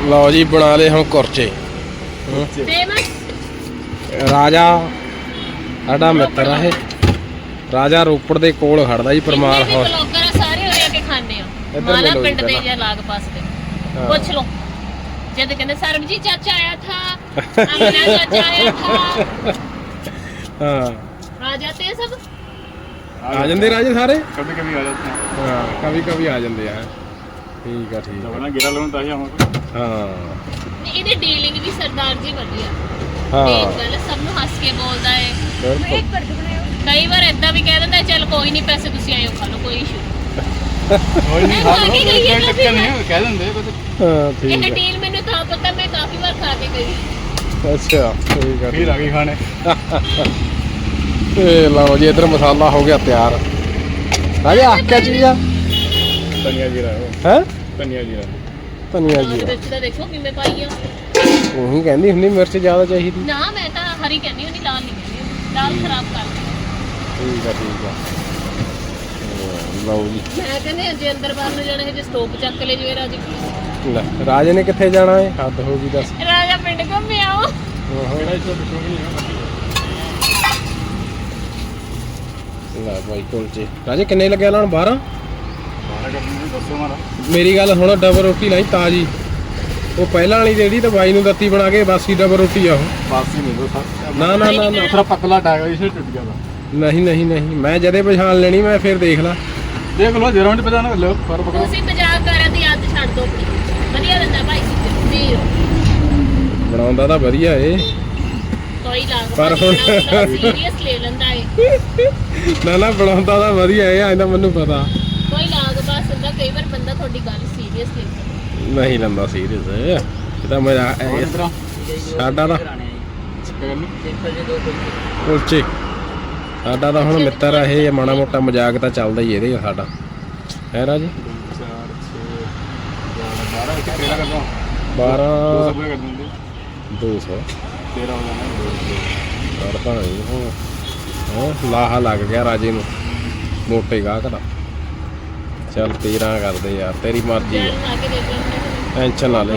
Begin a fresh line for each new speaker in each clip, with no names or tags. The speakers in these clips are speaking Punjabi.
ਲਓ ਜੀ ਬਣਾ ਲਏ ਹੁਣ ਕੁਰਚੇ। ਰਾਜਾ ਸਾਡਾ ਮਿੱਤਰ ਆ ਇਹ। ਰਾਜਾ ਰੋਪੜ ਦੇ ਕੋਲ ਖੜਦਾ ਜੀ ਪਰਮਾਰ ਹਾਊਸ।
ਬਲੌਗਰ ਸਾਰੇ ਉਰੇ ਆ ਕੇ ਖਾਂਦੇ ਆ ਮਾਲਾ ਪਿੰਡ ਦੇ ਜਾਂ ਲਾਗ ਪਾਸ ਦੇ। ਪੁੱਛ ਲਓ ਜਦ ਕਹਿੰਦੇ ਸਰਬਜੀਤ ਚਾਚਾ ਆਇਆ ਥਾ ਅਮਨਾ ਚਾਚਾ ਆਇਆ ਥਾ।
ਹਾਂ
ਰਾਜਾ ਤੇ ਸਭ
ਆ ਜਾਂਦੇ ਰਾਜੇ ਸਾਰੇ।
कभी कभी आ जाते हैं।
ਹਾਂ ਕभी कभी ਆ ਜਾਂਦੇ ਆ। ਠੀਕ ਆ ਠੀਕ
जब
ਆ।
ना गिरा लोन ताकि हमको
ਹਾਂ
ਇਹਦੀ ਡੀਲਿੰਗ ਵੀ ਸਰਦਾਰ ਜੀ ਵਧੀਆ।
ਹਾਂ
ਮੇਨ ਗੱਲ ਸਭ ਨੂੰ ਹੱਸ ਕੇ ਬੋਲਦਾ ਏ।
ਬਿਲਕੁਲ।
ਕਈ ਵਾਰ ਏਦਾਂ ਵੀ ਕਹਿ ਦਿੰਦਾ ਚੱਲ ਕੋਈ ਨਹੀਂ ਪੈਸੇ ਤੁਸੀਂ ਆਇਓ ਖਾ ਲਓ ਕੋਈ ਇਸ਼ੂ
कोई नहीं खा लो, कोई चक्कर नहीं है, कह देंगे बस।
ਹਾਂ
ਇਹ
ਠੀਕ ਆ।
ਡੀਲ ਮੈਨੂੰ ਤਾਂ ਪਤਾ ਮੈਂ ਕਾਫੀ ਵਾਰ ਖਾ ਕੇ ਗਈ।
ਅੱਛਾ ਠੀਕ ਆ।
फिर आगे खाने
ਤੇ ਲਓ ਜੀ ਇਧਰ ਮਸਾਲਾ ਹੋ ਗਿਆ ਤਿਆਰ। ਰਾਜੇ ਆਹ ਕਿਆ ਚੀਜ਼ ਆ?
धनिया जीरा है,
ਹੈ
धनिया जीरा।
ਧਨੀਆ
ਲਾਲ
ਜੀ
ਮਿਰਚ ਦਾ ਦੇਖੋ ਕਿਵੇਂ ਪਾਈ ਆ।
ਉਹੀ ਕਹਿੰਦੀ ਹੁੰਦੀ ਮਿਰਚ ਜ਼ਿਆਦਾ ਚਾਹੀਦੀ।
ਨਾ ਮੈਂ ਤਾਂ ਹਰੀ ਕਹਿੰਦੀ ਹੁੰਦੀ ਲਾਲ ਨਹੀਂ ਕਹਿੰਦੀ ਹੁੰਦੀ। ਲਾਲ ਖਰਾਬ ਕਰ ਦਿੰਦੀ।
ਠੀਕ ਆ ਠੀਕ ਆ। ਲਓ ਜੀ
ਮੈਂ ਕਹਿੰਦੇ ਜੇ ਅੰਦਰ ਬਾਹਰ ਨੂੰ ਜਾਣਾ ਹੈ ਜੇ ਸਟੋਪ ਚੱਕ ਲੈ ਜਿਵੇਂ ਰਾਜੀ
ਲੈ ਰਾਜੇ ਨੇ ਕਿੱਥੇ ਜਾਣਾ ਏ? ਹੱਦ ਹੋ ਗਈ ਦੱਸ।
ਰਾਜਾ ਪਿੰਡ ਘੁੰਮੇ ਆਓ।
मेरा इसको कुछ नहीं है।
ਲੈ ਭਾਈ ਕੁਲਚੇ ਰਾਜੇ ਕਿੰਨੇ ਲੱਗਿਆ ਲਾਣ? 12।
12 कर दूंगे, 10 हमारा।
ਮੇਰੀ ਗੱਲ ਹੁਣ ਡਬਲ ਰੋਟੀ ਲਾਈ ਤਾਜੀ। ਉਹ ਪਹਿਲਾਂ ਵਾਲੀ ਜਿਹੜੀ ਤਾਂ ਬਾਈ ਨੂੰ ਦਿੱਤੀ ਬਣਾ ਕੇ ਬਾਸੀ ਡਬਲ ਰੋਟੀ ਆ ਉਹ।
बासी नहीं दो सर।
ਨਾ ਨਾ ਨਾ ਨਾ
थोड़ा पतला टाइगर इसे टूट गया था।
ਨਹੀਂ ਨਹੀਂ ਨਹੀਂ ਮੈਂ ਜਦੇ ਪਛਾਣ ਲੈਣੀ ਮੈਂ ਫਿਰ ਦੇਖ ਲਾ।
देख लो जरा मिनट पता ना लो पर पकड़ो।
ਤੁਸੀਂ ਮਜ਼ਾਕ ਕਰਾਂ ਦੀ ਆਦਤ ਛੱਡ ਦੋ ਆਪਣੀ। ਵਧੀਆ ਦਿੰਦਾ ਭਾਈ ਵੀਰ
ਬਣਾਉਂਦਾ ਤਾਂ ਵਧੀਆ ਏ।
ਕੋਈ ਲਾਗ
ਪਰ ਹੁਣ-
ਸੀਰੀਅਸ ਲੈ ਲੈਂਦਾ ਏ।
ਨਾ ਨਾ ਬਣਾਉਂਦਾ ਤਾਂ ਵਧੀਆ ਏ ਐਂ ਤਾਂ ਮੈਨੂੰ ਪਤਾ।
ਕੋਈ ਲਾਗ ਬਾਸ ਹੁੰਦਾ ਕਈ ਵਾਰ ਬੰਦਾ ਤੁਹਾਡੀ ਗੱਲ ਸੀਰੀਅਸ ਲੈ ਲੈਂਦਾ।
ਨਹੀਂ ਲੈਂਦਾ ਸੀਰੀਅਸ ਇਹ ਤਾਂ ਮੇਰਾ
और इधर
ਸਾਡਾ ਤਾਂ
करनी
ਕੁਲਚੇ ਸਾਡਾ ਤਾਂ ਹੁਣ ਮਿੱਤਰ ਆ ਇਹ। ਮਾੜਾ ਮੋਟਾ ਮਜ਼ਾਕ ਤਾਂ ਚੱਲਦਾ ਹੀ ਇਹਦੇ ਸਾਡਾ ਹੈ ਰਾਜੀ।
4 6 12 13 कर दो।
12
200 कर दूंगे।
200
13 हो जाना।
ਕਰਦਾ ਨਹੀਂ ਹੁਣ। ਹਾਂ ਲਾਹਾ ਲੱਗ ਗਿਆ ਰਾਜੇ ਨੂੰ ਮੋਟੇ ਗਾਹਕ ਦਾ। ਚੱਲ 13 ਕਰਦੇ ਯਾਰ ਤੇਰੀ ਮਰਜ਼ੀ
ਜਲ
ਆ।
ਲਾ ਕੇ ਦੇਖ ਲੈਂਦੇ।
ਟੈਨਸ਼ਨ ਨਾ ਲੈ।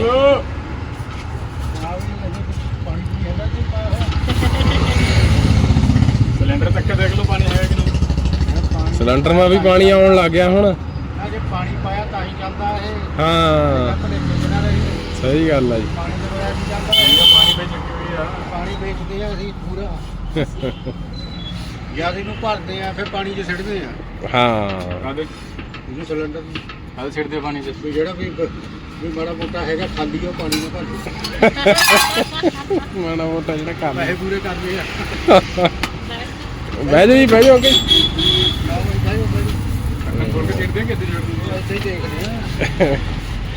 सिलेंडर तक के देख लो पानी है कि नहीं।
ਸਿਲੰਡਰ ਮਾ ਵੀ ਪਾਣੀ ਆਉਣ ਲੱਗ ਗਿਆ ਹੁਣ।
ਜੇ ਪਾਣੀ ਪਾਇਆ ਤਾਂ ਹੀ ਚੱਲਦਾ ਇਹ।
ਹਾਂ ਸਹੀ ਗੱਲ ਆ ਜੀ।
ਪਾਣੀ ਦੇ ਬਗੈਰ ਨਹੀਂ ਚੱਲਦਾ ਇਹ। ਪਾਣੀ ਵੇਚ ਚੁੱਕੀ ਹੋਈ ਆ। ਪਾਣੀ ਵੇਚਦੇ ਆ ਅਸੀਂ ਪੂਰਾ। ਜਦ ਇਹਨੂੰ ਭਰਦੇ ਆ ਫਿਰ ਪਾਣੀ 'ਚ ਸਿੱਟਦੇ ਆ।
ਹਾਂ
ਕਾਦੇ ਇਹਨੂੰ ਸਿਲੰਡਰ ਕਾਦੇ ਸਿੱਟਦੇ ਪਾਣੀ 'ਚ ਵੀ ਜਿਹੜਾ ਵੀ ਮਾੜਾ ਮੋਟਾ ਹੈਗਾ ਖਾਲੀ ਉਹ ਪਾਣੀ ਨਾਲ ਭਰ ਦੇ।
ਮਾੜਾ ਮੋਟਾ ਜਿਹੜਾ ਕੰਮ
ਪੈਸੇ ਪੂਰੇ ਕਰਦੇ ਆ।
ਬਹਿ ਜਾ ਜੀ ਬਹਿ ਜਾ ਅੱਗੇ।
ਖੋਲ ਕੇ ਸਿੱਟਦੇ ਆ ਕਿੱਥੇ ਜੁੜਦੇ ਆ। ਇੱਥੇ ਹੀ ਦੇਖਦੇ ਆ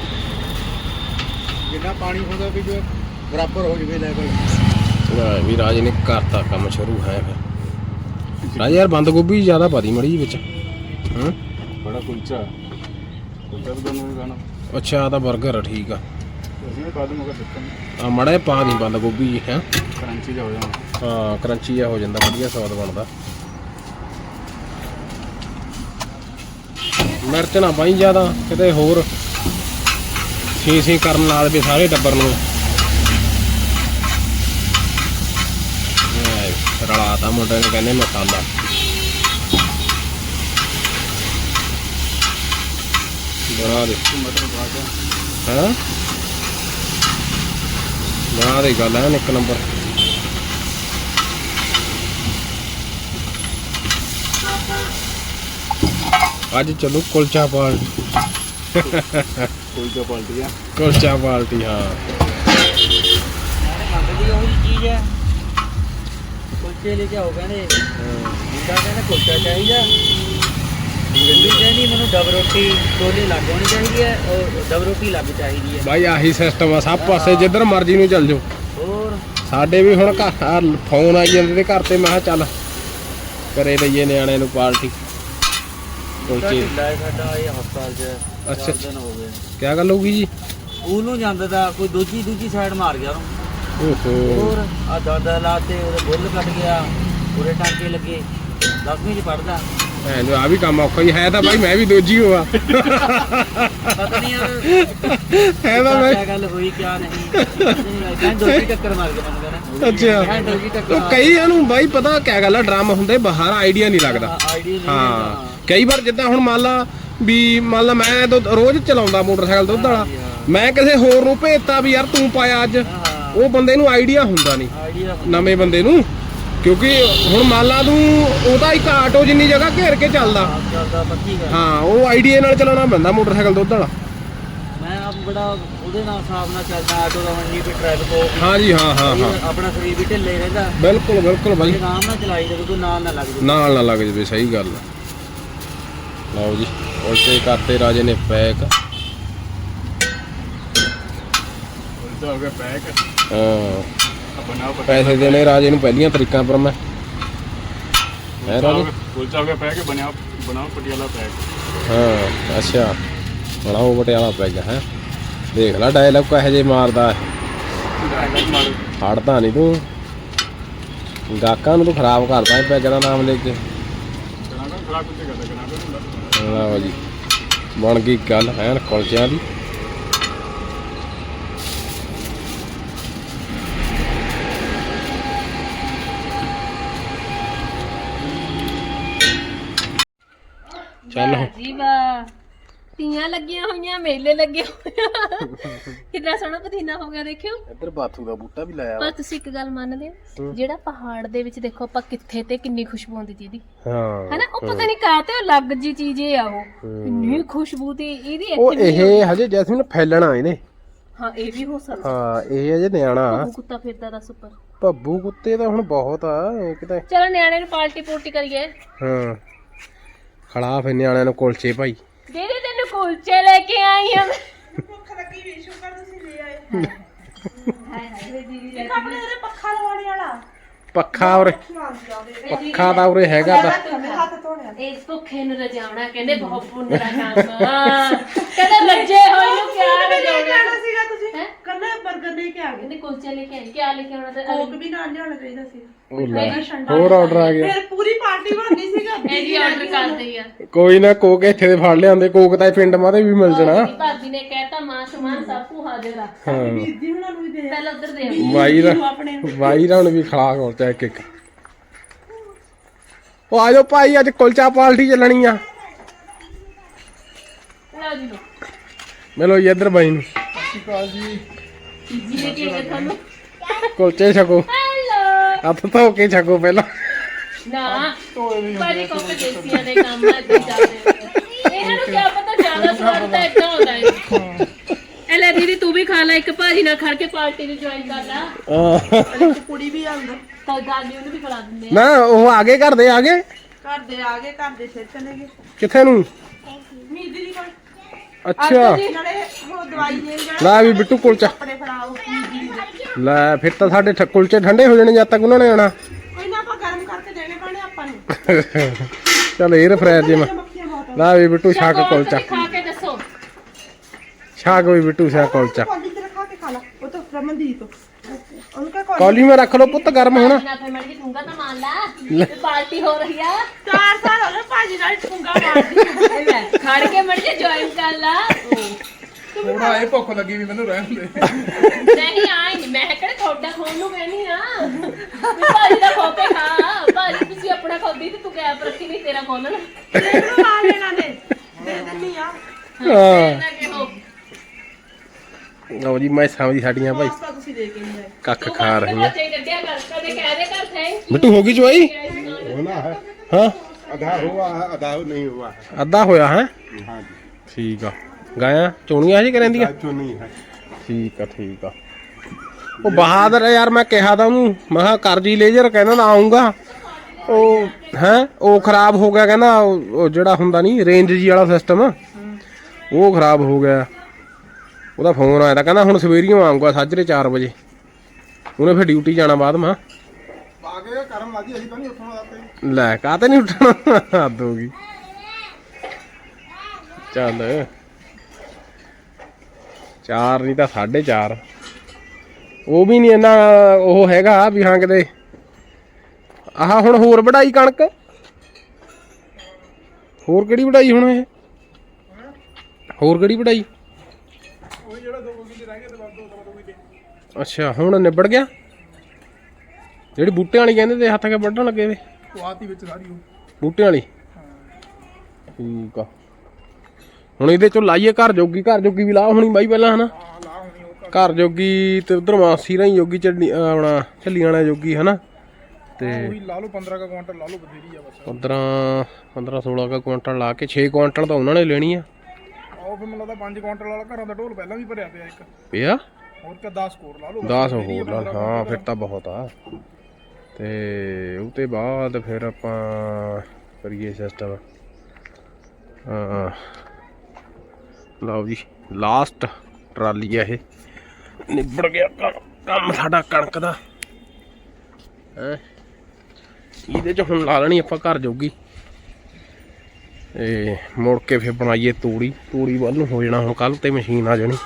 ਜਿੰਨਾ ਪਾਣੀ ਹੁੰਦਾ ਵੀ ਜੋ ਬਰਾਬਰ ਹੋ ਜਵੇ ਲੈਵਲ।
ਵੀ ਰਾਜ ਨੇ ਕਰਤਾ ਕੰਮ ਸ਼ੁਰੂ ਹੈ ਫਿਰ। ਰਾਜ ਯਾਰ ਬੰਦ ਗੋਭੀ ਜ਼ਿਆਦਾ ਪਾਦੀ ਮੜੀ ਵਿੱਚ। ਹਾਂ
ਬੜਾ ਕੁਲਚਾ ਕੁਲਚਾ ਵੀ ਤੁਹਾਨੂੰ ਵੀ ਖਾਣਾ।
ਅੱਛਾ ਆ ਤਾਂ 버ਗਰ ਆ ਠੀਕ ਆ।
ਅਸੀਂ ਵੀ ਪਾ ਦੂੰਗਾ ਸਿਸਟਮ
ਆ ਮੜਾ ਪਾ ਦੀ ਬੰਦ ਗੋਭੀ ਜੀ ਹੈ।
ਕਰੰਚੀ ਜਾ ਹੋ ਜਾਣਾ।
ਹਾਂ ਕਰੰਚੀ ਜਿਹਾ ਹੋ ਜਾਂਦਾ ਵਧੀਆ ਸਵਾਦ ਬਣਦਾ। ਮਿਰਚ ਨਾ ਪਾਈ ਜ਼ਿਆਦਾ ਕਿਤੇ ਹੋਰ ਸੀ ਕਰਨ ਨਾਲ ਵੀ ਸਾਰੇ ਟੱਬਰ ਨੂੰ। ਰਲਾਤਾ ਮੁੰਡੇ ਨੇ ਕਹਿੰਦੇ ਮਸਾਲਾ। ਬਣਾ ਦੇ
ਮਟਰ ਪਾ ਕੇ
ਹਾਂ ਬਣਾ ਦੇ ਗੱਲ ਹੈ ਇੱਕ ਨੰਬਰ। ਅੱਜ ਚਲੋ ਕੁਲਚਾ ਪਾਰਟੀ।
ਕੁਲਚਾ ਪਾਲਟੀ ਆ।
ਕੁਲਚਾ ਪਾਰਟੀ ਹਾਂ।
ਮੰਗਦੀ ਉਹੀ ਚੀਜ਼ ਹੈ। ਕੁਲਚੇ ਲੈ ਕੇ ਆਓ ਕਹਿੰਦੇ। ਮੁੰਡਾ ਕਹਿੰਦਾ ਕੁਲਚਾ ਚਾਹੀਦਾ। ਜਿੰਦੀ ਕਹਿੰਦੀ ਮੈਨੂੰ ਡਬ ਰੋਟੀ ਛੋਲੇ ਲੱਗ ਹੋਣੀ ਚਾਹੀਦੀ ਹੈ। ਉਹ ਡਬ ਰੋਟੀ ਲੱਗ ਚਾਹੀਦੀ ਹੈ।
ਬਾਈ ਆਹੀ ਸਿਸਟਮ ਆ ਸਭ ਪਾਸੇ ਜਿੱਧਰ ਮਰਜ਼ੀ ਨੂੰ ਚੱਲ ਜਾਓ।
ਹੋਰ
ਸਾਡੇ ਵੀ ਹੁਣ ਘਰ ਫੋਨ ਆਈ ਜਾਂਦੇ ਤੇ ਘਰ ਤੇ ਮੈਂ ਕਿਹਾ ਚੱਲ ਕਰੇ ਲਈਏ ਨਿਆਣੇ ਨੂੰ ਪਾਰਟੀ ਕੁਲਚੇ।
ਢਿੱਲਾ ਸਾਡਾ ਇਹ ਹਸਪਤਾਲ 'ਚ
ਅੱਛਾ
4 ਦਿਨ ਹੋ ਗਏ।
ਕਿਆ ਗੱਲ ਹੋ ਗਈ ਜੀ?
ਸਕੂਲ ਨੂੰ ਜਾਂਦਾ ਤਾਂ ਕੋਈ ਦੂਜੀ ਸਾਈਡ ਮਾਰ ਗਿਆ ਉਹਨੂੰ।
ਓਹੋ
ਹੋਰ ਆ ਦਾਦਾ ਲਾਤੇ ਉਹਦੇ ਬੁੱਲ ਕੱਟ ਗਿਆ। ਉਹਦੇ ਟਾਂਕੇ ਲੱਗੇ। 10ਵੀਂ 'ਚ ਪੜਦਾ।
ਆ ਵੀ ਕੰਮ ਔਖਾ ਹੀ ਹੈ ਤਾਂ ਬਾਈ ਮੈਂ ਵੀ ਦੋਜੀ ਹੋਆ
ਪਤਾ ਨਹੀਂ ਯਾਰ
ਹੈ ਤਾਂ ਮੈਂ
ਕੀ ਗੱਲ ਹੋਈ ਕਿਆ ਨਹੀਂ ਕਹਿੰਦੇ ਦੋਜੀ ਟੱਕਰ ਮਾਰ ਕੇ ਮੈਨੂੰ ਕਹਿੰਦਾ
ਅੱਛਾ
ਦੋਜੀ ਟੱਕਰ
ਉਹ ਕਈਆਂ ਨੂੰ ਬਾਈ ਪਤਾ ਕਿਆ ਗੱਲ ਆ ਡਰਮ ਹੁੰਦੇ ਬਾਹਰ ਆਈਡੀਆ ਨਹੀਂ ਲੱਗਦਾ
ਆਈਡੀਆ ਨਹੀਂ
ਹਾਂ ਕਈ ਵਾਰ ਜਿੱਦਾਂ ਹੁਣ ਮੰਨ ਲਾ ਮੈਂ ਤਾਂ ਰੋਜ਼ ਚਲਾਉਂਦਾ ਮੋਟਰਸਾਈਕਲ ਦੁੱਧ ਵਾਲਾ ਮੈਂ ਕਿਸੇ ਹੋਰ ਨੂੰ ਭੇਜਤਾ ਵੀ ਯਾਰ ਤੂੰ ਪਾਇਆ ਅੱਜ ਉਹ ਬੰਦੇ ਨੂੰ ਆਈਡੀਆ ਹੁੰਦਾ ਨਹੀਂ
ਆਈਡੀਆ
ਨਵੇਂ ਬੰਦੇ ਨੂੰ ਕਿਉਂਕਿ ਹੁਣ ਮੰਨ ਲਾ ਤੂੰ ਉਹਦਾ ਇੱਕ ਆਟੋ ਜਿੰਨੀ ਜਗ੍ਹਾ ਘੇਰ ਕੇ ਚੱਲਦਾ
ਚੱਲਦਾ ਪੱਕੀ ਗੱਲ
ਹਾਂ ਉਹ ਆਈਡੀਆ ਨਾਲ ਚਲਾਉਣਾ ਪੈਂਦਾ ਮੋਟਰਸਾਈਕਲ ਦੁੱਧ ਵਾਲਾ
ਮੈਂ ਆਪ ਬੜਾ ਉਹਦੇ ਨਾਲ ਹਿਸਾਬ ਨਾਲ ਚੱਲਦਾ ਆਟੋ ਦਾ ਵੰਡੀ ਵੀ ਟ੍ਰੈਫਿਕ ਹੋ
ਹਾਂ ਜੀ ਹਾਂ
ਆਪਣਾ ਸਰੀਰ ਵੀ ਢਿੱਲੇ ਰਹਿੰਦਾ
ਬਿਲਕੁਲ ਬਾਈ
ਆਰਾਮ ਨਾਲ ਚਲਾਈ ਜਾਵੇ ਕੋਈ ਨਾਲ ਨਾ ਲੱਗ ਜਾਵੇ
ਨਾਲ ਨਾ ਲੱਗ ਜਵੇ ਸਹੀ ਗੱਲ ਆ ਲਓ ਜੀ ਉਲਟੇ ਕਰਤੇ ਰਾਜੇ ਨੇ ਪੈਕ
ਉਲਟਾ ਹੋ ਗਿਆ ਪੈਕ
ਹਾਂ
ਬਣਾਓ
ਪੈਸੇ ਦੇਣੇ ਰਾਜੇ ਨੂੰ ਪਹਿਲੀਆਂ ਤਰੀਕਾਂ ਪਰ ਮੈਂ ਹੈ ਰਾਜੇ
ਉਲਟਾ ਹੋ ਗਿਆ ਪੈਕ ਬਣਾਓ ਪਟਿਆਲਾ ਪੈਕ
ਹਾਂ ਅੱਛਾ ਬਣਾਓ ਪਟਿਆਲਾ ਪੈਗ ਹੈ ਦੇਖ ਲੈ ਡਾਇਲੌਗ ਕਹੇ ਜੇ ਮਾਰਦਾ ਹੜਦਾ ਨਹੀਂ ਤੂੰ ਗਾਕਾਂ ਨੂੰ ਤੂੰ ਖਰਾਬ ਕਰਦਾ ਪੈਗ ਦਾ ਨਾਮ ਲੈ ਕੇ ਲਓ ਜੀ ਬਣ ਗਈ ਗੱਲ ਐਨ ਕੁਲਚਿਆਂ ਦੀ ਚੱਲ
ਜੀ ਵਾਹ ਤੀਆਂ ਲੱਗੀਆਂ ਹੋਈਆਂ ਮੇਲੇ ਲੱਗੇ ਹੋਏ ਕਿੰਨਾ ਸੋਹਣਾ ਪਸੀਨਾ ਹੋ ਗਿਆ ਦੇਖਿਓ
ਇੱਧਰ ਬਾਥੂ ਦਾ ਬੂਟਾ ਵੀ ਲਾਇਆ
ਪਰ ਤੁਸੀਂ ਇੱਕ ਗੱਲ ਮੰਨਦੇ ਹੋ ਜਿਹੜਾ ਪਹਾੜ ਦੇ ਵਿੱਚ ਦੇਖੋ ਆਪਾਂ ਕਿੱਥੇ ਤੇ ਕਿੰਨੀ ਖੁਸ਼ਬੂ ਆਉਂਦੀ ਜਿਹਦੀ
ਹਾਂ
ਹੈਨਾ ਉਹ ਪਤਾ ਨਹੀਂ ਕਾਹਤੇ ਉਹ ਅਲੱਗ ਜੀ ਚੀਜ਼ ਇਹ ਆ ਉਹ ਇੰਨੀ ਖੁਸ਼ਬੂ ਤੇ ਇਹਦੀ
ਉਹ
ਇੱਥੇ
ਇਹ ਹਜੇ ਜੈਸਮੀਨ ਫੈਲਣਾ ਇਹਨੇ
ਹਾਂ ਇਹ ਵੀ ਹੋ ਸਕਦਾ
ਹਾਂ ਇਹ ਹਜੇ ਨਿਆਣਾ
ਉਹ ਕੁੱਤਾ ਫਿਰਦਾ ਦੱਸ ਉੱਪਰ
ਭੱਬੂ ਕੁੱਤੇ ਤਾਂ ਹੁਣ ਬਹੁਤ ਆ ਇੱਕ ਤਾਂ
ਚਲੋ ਨਿਆਣੇ ਨੂੰ ਪਾਰਟੀ ਪੂਰਟੀ ਕਰੀਏ
ਹਾਂ ਖੜਾ ਫੇ ਨਿਆਣਿਆਂ ਨੂੰ ਕੁਲਚੇ ਭਾਈ
ਦੀਦੀ ਤੈਨੂੰ ਕੁਲਚੇ ਲੈ ਕੇ ਆਈ ਹਾਂ
ਭੁੱਖ ਲੱਗੀ ਵੀ ਸ਼ੁਕਰ ਤੁਸੀਂ ਲੈ ਆਏ ਇੱਕ ਆਪਣੇ ਉਹਦੇ ਪੱਖਾ ਲਵਾਉਣੇ ਵਾਲਾ
ਪੱਖਾ ਉਰੇ ਪੱਖਾ ਤਾਂ ਉਰੇ ਹੈਗਾ ਤਾਂ
ਹੱਥ ਧੋਣੇ
ਇਸ ਭੁੱਖੇ ਨੂੰ ਰਜਾਉਣਾ ਕਹਿੰਦੇ ਬਹੁਤ ਪੁੰਨ ਦਾ ਕੰਮ ਕਹਿੰਦੇ ਲੱਜੇ ਹੋਏ ਨੂੰ ਕਿਆ ਰਜਾਉਣਾ
ਸੀਗਾ ਤੁਸੀਂ
ਹੈਂ?
ਕੱਲੇ 버ਗਰ ਲੈ ਕੇ ਆ ਗਏ
ਕਹਿੰਦੇ ਕੁਲਚੇ ਲੈ ਕੇ ਆਏ ਕਿਆ ਲੈ ਕੇ ਆਉਣਾ ਤੇ
ਕੋਕ ਵੀ ਨਾਲ ਲਿਆਉਣਾ ਚਾਹੀਦਾ ਸੀ
ਉਹ ਲੈ ਹੋਰ ਆਰਡਰ ਆ ਗਿਆ
ਫਿਰ ਪੂਰੀ ਪਾਰਟੀ ਬਣਨੀ ਸੀਗਾ
ਇਹ ਵੀ ਆਰਡਰ ਕਰਦੇ ਆ
ਕੋਈ ਨਾ ਕੋਕ ਇੱਥੇ ਦੇ ਫੜ ਲਿਆਂਦੇ ਕੋਕ ਤਾਂ ਪਿੰਡ ਮਾਦੇ ਵੀ ਮਿਲ ਜਾਣਾ
ਭਾਬੀ ਨੇ ਕਹਿਤਾ ਮਾਂ ਸਮਾਨ ਸਭ ਕੁ ਹਾਜ਼ਰ ਆ
ਹਾਂ
ਜੀ ਉਹਨਾਂ ਨੂੰ ਵੀ ਦੇ
ਪਹਿਲਾਂ ਉਧਰ ਦੇ
ਵਾਈ ਦਾ ਹੁਣ ਵੀ ਖਲਾ ਕੋਲਚਾ ਇੱਕ ਇੱਕ ਉਹ ਆ ਜਾਓ ਭਾਈ ਅੱਜ ਕੁਲਚਾ ਪਾਰਟੀ ਚੱਲਣੀ ਆ
ਲਓ ਜੀ ਲਓ
ਮਿਲੋ ਜੀ ਇੱਧਰ ਬਾਈ ਨੂੰ
ਜੀ ਲੈ ਕੇ ਆਏ ਤੁਹਾਨੂੰ
ਕੁਲਚੇ ਛਕੋ
ਹੈਲੋ
ਹੱਥ ਧੋ ਕੇ ਛਕੋ ਪਹਿਲਾਂ
ਨਾ ਭਾਜੀ ਕੋਕ ਦੇਸੀਆਂ ਦੇ ਕੰਮ ਆ ਤੇ ਚੱਲਦੇ ਇਹਨਾਂ ਨੂੰ ਕੀ ਪਤਾ ਜ਼ਿਆਦਾ ਸਵਾਦ ਤਾਂ ਇੱਦਾਂ ਹੁੰਦਾ ਹੈ ਇਹ ਲੈ ਦੀਦੀ ਤੂੰ ਵੀ ਖਾ ਲੈ ਇੱਕ ਭਾਜੀ ਨਾਲ ਖੜ ਕੇ ਪਾਰਟੀ ਨੂੰ ਜੁਆਇਨ ਕਰ ਲੈ
ਕੁੜੀ ਵੀ ਆਂਦਾ
ਤਾਂ ਦਾਦੀ ਉਹਨੂੰ ਵੀ ਖਿਲਾ ਦਿੰਦੇ
ਨਾ ਉਹ ਆਗੇ ਘਰ ਦੇ ਆਗੇ
ਘਰ ਦੇ ਆ ਗਏ ਘਰ ਦੇ ਫਿਰ ਚਲੇ ਗਏ
ਕਿੱਥੇ ਨੂੰ
ਮੀਦੀ ਦੀ ਕੋਲ
ਅੱਛਾ
ਨਾਲੇ ਉਹ ਦਵਾਈ ਦੇਣ ਜਾਣਾ
ਲੈ ਵੀ ਬਿੱਟੂ ਕੁਲਚਾ
ਕੱਪੜੇ ਫੜਾਓ ਮੀਦੀ ਦੇ
ਲੈ ਫਿਰ ਤਾਂ ਸਾਡੇ ਕੁਲਚੇ ਠੰਡੇ ਹੋ ਜਾਣੇ ਜਦ ਤੱਕ ਉਹਨਾਂ ਨੇ ਆਣਾ
ਕੋਈ ਨਾ ਆਪਾਂ ਗਰਮ ਕਰਕੇ ਦੇਣੇ ਪੈਣੇ ਆਪਾਂ ਨੂੰ
ਚੱਲ ਇਹ ਫਰਾਇਰ ਜੇ ਮੈਂ
ਮੱਖੀਆਂ ਬਹੁਤ
ਲੈ ਵੀ ਬਿੱਟੂ ਛਕ ਕੁਲਚਾ
ਖਾ ਕੇ ਦੱਸੋ
ਛਕ ਵੀ ਬਿੱਟੂ ਛਕ ਕੁਲਚਾ
ਕੌਲੀ ਤੇ ਰਖਾ ਕੇ ਖਾ ਲਾ ਉਹ ਤਾਂ ਰਮਨਦੀਪ ਉਨਕਾ ਕੌਲੀ
ਕੌਲੀ ਮੈਂ ਰੱਖ ਲਓ ਪੁੱਤ ਗਰਮ ਹੋਣਾ
ਨਾ ਫਿਰ ਮੜੀ ਠੁੰਗਾ ਤਾਂ ਮਾਰ ਲਾ ਪਾਰਟੀ ਹੋ ਰਹੀ ਆ
4 ਸਾਲ ਹੋ ਗਏ ਭਾਜੀ ਨਾਲ ਠੁੰਗਾ ਮਾਰਦੀ
ਲੈ ਖੜ ਕੇ ਮੜੀ ਜੁਆਇਨ ਕਰ ਲਾ
ਥੋੜਾ ਇਹ ਭੁੱਖ ਲੱਗੀ ਵੀ ਮੈਨੂੰ ਰਹਿਣ ਦੇ
ਨਹੀਂ ਆਈ ਨਹੀਂ ਮੈਂ ਕਿਹੜਾ ਤੁਹਾਡਾ ਖਾਣ ਨੂੰ ਕਹਿਨੀ ਆ ਭਾਜੀ ਦਾ ਖੋ ਕੇ ਖਾ ਭਾਜੀ ਤੁਸੀਂ ਆਪਣਾ ਖਾਂਦੀ ਤੇ ਤੂੰ ਗੈਪ ਰੱਖੀ ਨਹੀਂ ਤੇਰਾ ਖੋਲਣ
ਤੈਨੂੰ ਆ ਲੈਣਾ ਨੇ ਦੇ ਦਿੰਨੀ ਆ
ਨਾ ਕਿਹੋ
ਲਓ ਜੀ ਮੈਂ ਸਮਝੀ ਸਾਡੀਆਂ ਭਾਈ
ਪਾਸਤਾ ਤੁਸੀਂ ਦੇ ਕੇ ਨਹੀਂ ਆਏ
ਕੱਖ ਖਾ ਰਹੀਆਂ
ਬੱਚੇ ਕੱਢਿਆ ਕਰ ਕਦੇ ਕਹਿ ਦੇ ਕਰ ਥੇ
ਬਿੱਟੂ ਹੋ ਗਈ ਚਵਾਈ
होना है
ਹਾਂ
आधा हुआ है आधा नहीं हुआ है
ਅੱਧਾ ਹੋਇਆ ਹੈ
हाँ जी
ਠੀਕ ਆ ਗਾਇਆ ਚੋਣੀਆਂ ਜੀ ਕਰੰਦੀਆਂ
जो नहीं है
ਠੀਕ ਆ ਉਹ ਬਹਾਦਰ ਹੈ ਯਾਰ ਮੈਂ ਕਿਹਾ ਤਾਂ ਉਹਨੂੰ ਮੈਂ ਕਿਹਾ ਕਰ ਜੀ ਲੇਜ਼ਰ ਕਹਿੰਦਾ ਨਾ ਆਉਂਗਾ ਉਹ ਹੈ ਉਹ ਖਰਾਬ ਹੋ ਗਿਆ ਕਹਿੰਦਾ ਉਹ ਜਿਹੜਾ ਹੁੰਦਾ ਨਹੀਂ ਰੇਂਜ ਜੀ ਵਾਲਾ ਸਿਸਟਮ ਉਹ ਖਰਾਬ ਹੋ ਗਿਆ ਉਹਦਾ ਫੋਨ ਆਇਆ ਤਾਂ ਕਹਿੰਦਾ ਹੁਣ ਸਵੇਰੀਓ ਆਉਂਗਾ ਸਾਜਰੇ 4 ਵਜੇ ਉਹਨੇ ਫਿਰ ਡਿਊਟੀ ਜਾਣਾ ਬਾਅਦ ਮਾ
आगे कर्म लागी अभी तो नहीं उठना आते
ਲੈ ਕਾਹਤੇ ਨਹੀਂ ਉੱਠਣਾ ਹੱਦ ਹੋ ਗਈ ਚੱਲ 4 ਨਹੀਂ ਤਾਂ 4:30 ਉਹ ਵੀ ਨਹੀਂ ਇੰਨਾ ਉਹ ਹੈਗਾ ਵੀ ਹਾਂ ਕਿਤੇ ਆਹ ਹੁਣ ਹੋਰ ਵਢਾਈ ਕਣਕ ਹੋਰ ਕਿਹੜੀ ਵਢਾਈ ਹੁਣ ਇਹ? ਹੋਰ ਕਿਹੜੀ ਵਢਾਈ? ਅੱਛਾ ਹੁਣ ਨਿਬੜ ਗਿਆ। ਜਿਹੜੀ ਬੂਟਿਆਂ ਵਾਲੀ ਕਹਿੰਦੇ ਤੇ ਹੱਥ ਕੇ ਵੱਢਣ ਲੱਗੇ ਵੇ
ਉਹ ਆਤੀ ਵਿੱਚ ਸਾਰੀ ਉਹ
ਬੂਟਿਆਂ ਵਾਲੀ। ਠੀਕ ਆ ਹੁਣ ਇਹਦੇ ਚੋਂ ਲਾਈਏ ਘਰ ਜੋਗੀ ਵੀ ਲਾ ਹੋਣੀ ਬਾਈ ਪਹਿਲਾਂ ਹਨਾ। ਘਰ ਜੋਗੀ ਤੇ ਉਧਰ ਮਾਸੀ ਰਾਹੀਂ ਜੋਗੀ ਚੱਲੀ ਆਪਣਾ ਝੱਲੀਆਂ ਵਾਲਾ ਜੋਗੀ ਹਨਾ। ਤੇ
ਲਾ ਲਓ 15 ਕੁਇੰਟਲ ਲਾ ਲਓ ਬਥੇਰੀ ਆ ਬਸ।
15 16 ਕੁਇੰਟਲ ਲਾ ਕੇ 6 ਕੁਇੰਟਲ ਤਾਂ ਉਹਨਾਂ ਨੇ ਲੈਣੀ ਆ।
ਉਹ ਫਿਰ ਮੈਨੂੰ ਲੱਗਦਾ 5 ਕੁਇੰਟਲ ਵਾਲਾ ਘਰਾਂ ਦਾ ਢੋਲ ਪਹਿਲਾਂ ਵੀ ਭਰਿਆ ਪਿਆ ਇੱਕ
ਪਿਆ
ਹੋਰ ਕਿ 10 ਕੋਰ ਲਾ ਲਓ
10 ਹੋਰ ਲਾ ਹਾਂ ਫਿਰ ਤਾਂ ਬਹੁਤ ਆ। ਤੇ ਉਹ ਤੋਂ ਬਾਅਦ ਫਿਰ ਆਪਾਂ ਕਰੀਏ ਸਿਸਟਮ। ਲਓ ਜੀ ਲਾਸਟ ਟਰਾਲੀ ਆ ਇਹ ਨਿਬੜ ਗਿਆ ਕੰਮ ਸਾਡਾ ਕਣਕ ਦਾ ਹੈ। ਇਹਦੇ ਚ ਹੁਣ ਲਾ ਲੈਣੀ ਆਪਾਂ ਘਰ ਜੋਗੀ ਤੇ ਮੁੜ ਕੇ ਫਿਰ ਬਣਾਈਏ ਤੂੜੀ ਵੱਲ ਨੂੰ ਹੋ ਜਾਣਾ ਹੁਣ ਕੱਲ ਤੇ ਮਸ਼ੀਨ ਆ ਜਾਣੀ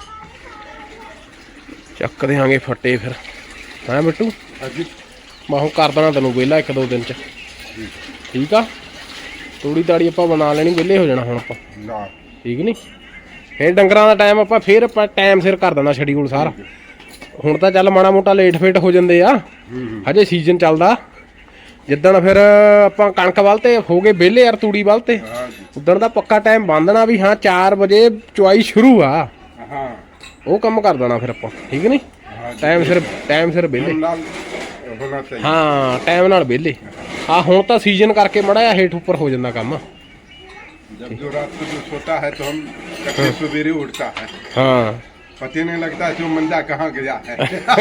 ਚੱਕ ਦਿਆਂਗੇ ਫੱਟੇ ਫਿਰ ਹੈਂ ਬਿੱਟੂ। ਮੈਂ ਹੁਣ ਕਰ ਦੇਣਾ ਤੈਨੂੰ ਵਿਹਲਾ 1-2 ਦਿਨ ਚ ਠੀਕ ਆ। ਤੂੜੀ ਤਾੜੀ ਆਪਾਂ ਬਣਾ ਲੈਣੀ ਵਿਹਲੇ ਹੋ ਜਾਣਾ ਹੁਣ ਆਪਾਂ ਠੀਕ ਨੀ। ਫਿਰ ਡੰਗਰਾਂ ਦਾ ਟਾਈਮ ਆਪਾਂ ਟਾਈਮ ਸਿਰ ਕਰ ਦੇਣਾ ਸ਼ਡਿਊਲ ਸਾਰਾ। ਹੁਣ ਤਾਂ ਚੱਲ ਮਾੜਾ ਮੋਟਾ ਲੇਟ ਫੇਟ ਹੋ ਜਾਂਦੇ ਆ ਹਜੇ ਸੀਜ਼ਨ ਚੱਲਦਾ। ਜਿੱਦਣ ਫਿਰ ਆਪਾਂ ਕਣਕ ਵੱਲ ਤੇ ਹੋ ਗਏ ਵਿਹਲੇ ਯਾਰ ਤੂੜੀ ਵੱਲ ਤੇ ਉਦਣ ਦਾ ਪੱਕਾ ਟਾਈਮ ਬੰਨ੍ਹਣਾ ਵੀ ਹਾਂ 4 ਵਜੇ ਚੁਆਈ ਸ਼ੁਰੂ ਆ। ਉਹ ਕੰਮ ਕਰ ਦੇਣਾ ਫਿਰ ਆਪਾਂ ਠੀਕ ਨੀ। ਟਾਈਮ ਸਿਰ ਵਿਹਲੇ ਹਾਂ ਟਾਈਮ ਨਾਲ ਵਿਹਲੇ। ਆ ਹੁਣ ਤਾਂ ਸੀਜ਼ਨ ਕਰਕੇ ਮੜਾ ਜਿਹਾ ਹੇਠ ਉੱਪਰ ਹੋ ਜਾਂਦਾ ਕੰਮ।
जब जो रात को जो सोता है तो हम कभी सवेरे उठता है
हाँ
पता नहीं लगता जो मंदा कहाँ गया है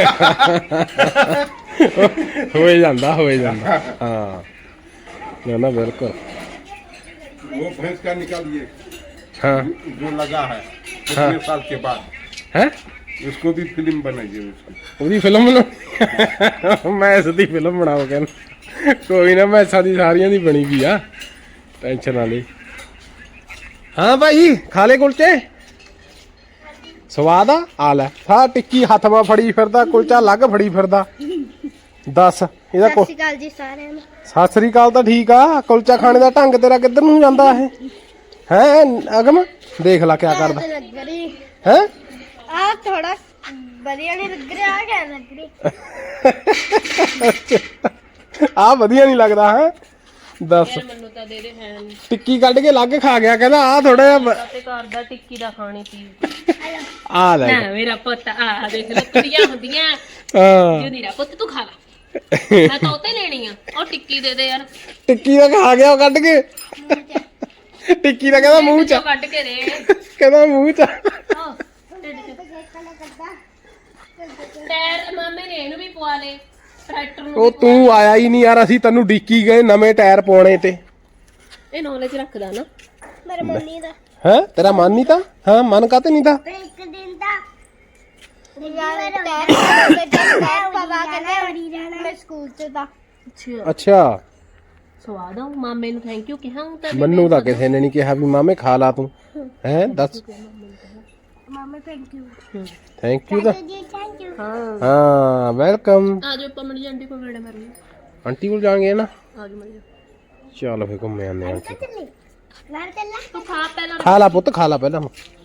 हो ਜਾਂਦਾ हाँ ना बिल्कुल।
वो भैंस का निकालिए
हाँ
जो लगा है कितने साल के बाद
है
उसको भी फिल्म बनाइए उसकी
ਉਹਦੀ ਫਿਲਮ ਬਣਾ ਮੈਂ ਇਸ ਦੀ ਫਿਲਮ ਬਣਾਓ ਕਹਿੰਦਾ ਕੋਈ ਨਾ ਮੈਂ ਸਾਡੀ ਸਾਰੀਆਂ ਦੀ ਬਣੀ ਵੀ ਆ ਟੈਨਸ਼ਨ ਨਾ ਲਈ। ਹਾਂ ਭਾਈ ਖਾ ਲੈ ਕੁਲਚੇ ਸਵਾਦ ਆ ਲੈ ਸਾ ਟਿੱਕੀ ਹੱਥ ਮਾ ਫੜੀ ਫਿਰਦਾ ਕੁਲਚਾ ਅਲੱਗ ਫੜੀ ਫਿਰਦਾ ਦੱਸ ਇਹਦਾ
ਸਤਿ ਸ਼੍ਰੀ ਅਕਾਲ ਜੀ ਸਾਰਿਆਂ ਨੂੰ।
ਸਤਿ ਸ੍ਰੀ ਅਕਾਲ ਤਾਂ ਠੀਕ ਆ ਕੁਲਚਾ ਖਾਣੇ ਦਾ ਢੰਗ ਤੇਰਾ ਕਿੱਧਰ ਨੂੰ ਜਾਂਦਾ ਇਹ ਹੈ ਅਗਮ ਦੇਖ ਲੈ ਕਿਆ ਕਰਦਾ
ਲੱਗ ਰਹੀ
ਹੈ
ਆ ਥੋੜਾ ਵਧੀਆ ਨਹੀਂ ਲੱਗ ਰਿਹਾ ਆ ਕਿਆ ਲੱਗ ਰਹੀ
ਆ ਵਧੀਆ ਨਹੀਂ ਲੱਗਦਾ ਹੈ ਦੱਸ।
ਯਾਰ ਮੈਨੂੰ ਤਾਂ ਦੇ ਦੇ ਹੈ ਨਹੀਂ
ਟਿੱਕੀ ਕੱਢ ਕੇ ਅਲੱਗ ਖਾ ਗਿਆ ਕਹਿੰਦਾ ਆ ਥੋੜਾ ਜਿਹਾ
ਤੇ ਘਰ ਦਾ ਟਿੱਕੀ ਦਾ ਖਾਣੀ ਪੀ
ਆ ਲੈ
ਨਾ ਮੇਰਾ ਪੁੱਤ ਆ ਦੇਖ ਲੱਕੜੀਆਂ ਹੁੰਦੀਆਂ
ਹਾਂ
ਜੋ ਮੇਰਾ ਪੁੱਤ ਤੂੰ ਖਾ ਲੈ ਮੈਂ ਤਾਂ ਉੱਤੇ ਲੈਣੀ ਆ ਉਹ ਟਿੱਕੀ ਦੇ ਦੇ ਯਾਰ
ਟਿੱਕੀ ਦਾ ਖਾ ਗਿਆ ਉਹ ਕੱਢ ਕੇ ਟਿੱਕੀ ਦਾ ਕਹਿੰਦਾ ਮੂੰਹ ਚ
ਕੱਢ ਕੇ ਦੇ
ਕਹਿੰਦਾ ਮੂੰਹ ਚ
ਆਹ, ਢਿੱਡ ਚ। ਟਾਇਰ ਮਾਮੇ ਨੇ ਇਹਨੂੰ ਵੀ ਪਵਾ ਲੇ ਟਰੈਕਟਰ ਨੂੰ
ਉਹ ਤੂੰ ਆਇਆ ਹੀ ਨਹੀਂ ਯਾਰ ਅਸੀਂ ਤੈਨੂੰ ਡੀਕੀ ਗਏ ਨਵੇਂ ਟਾਇਰ ਪਾਉਣੇ ਤੇ।
ਇਹ ਨੌਲੇਜ ਰੱਖਦਾ ਨਾ
ਮੇਰੇ ਮੰਮੀ ਦਾ
ਹੈ ਤੇਰਾ ਮਨ ਨਹੀਂ ਤਾਂ ਹਾਂ ਮਨ ਕਾਤੇ ਨਹੀਂ ਤਾਂ
ਇੱਕ ਦਿਨ ਦਾ ਯਾਰ ਟੈਰ ਪਵਾ ਕੇ ਮੈਂ ਸਕੂਲ ਚ ਦਾ
ਅੱਛਾ
ਸਵਾਦ ਆ ਮਾਮੇ ਨੂੰ ਥੈਂਕ ਯੂ ਕਿਹਾ ਹੂੰ ਤਾਂ
ਮੈਨੂੰ ਤਾਂ ਕਿਸੇ ਨੇ ਨਹੀਂ ਕਿਹਾ ਵੀ ਮਾਮੇ ਖਾ ਲਾ ਤੂੰ ਹੈ ਦੱਸ
ਮਾਮਾ ਥੈਂਕ ਯੂ
ਥੈਂਕ ਯੂ ਤਾਂ
ਜੀ ਥੈਂਕ ਯੂ
ਹਾਂ
ਹਾਂ ਵੈਲਕਮ।
ਆ ਜਾਓ ਆਪਾਂ ਮਣੀ ਆਂਟੀ ਕੋਲ ਵੇੜੇ ਮਾਰੀ
ਆਂਟੀ ਕੋਲ ਜਾਵਾਂਗੇ ਨਾ
ਆ ਜਾਓ ਮਣੀ
ਚੱਲ ਫੇ ਘੁੰਮੇ ਆਨੇ ਆਂਟੀ
ਚੱਲੀ ਬਾਹਰ ਚੱਲਾ
ਤੂੰ ਖਾ ਪਹਿਲਾਂ
ਖਾ ਲਾ ਪੁੱਤ ਖਾ ਲਾ ਪਹਿਲਾਂ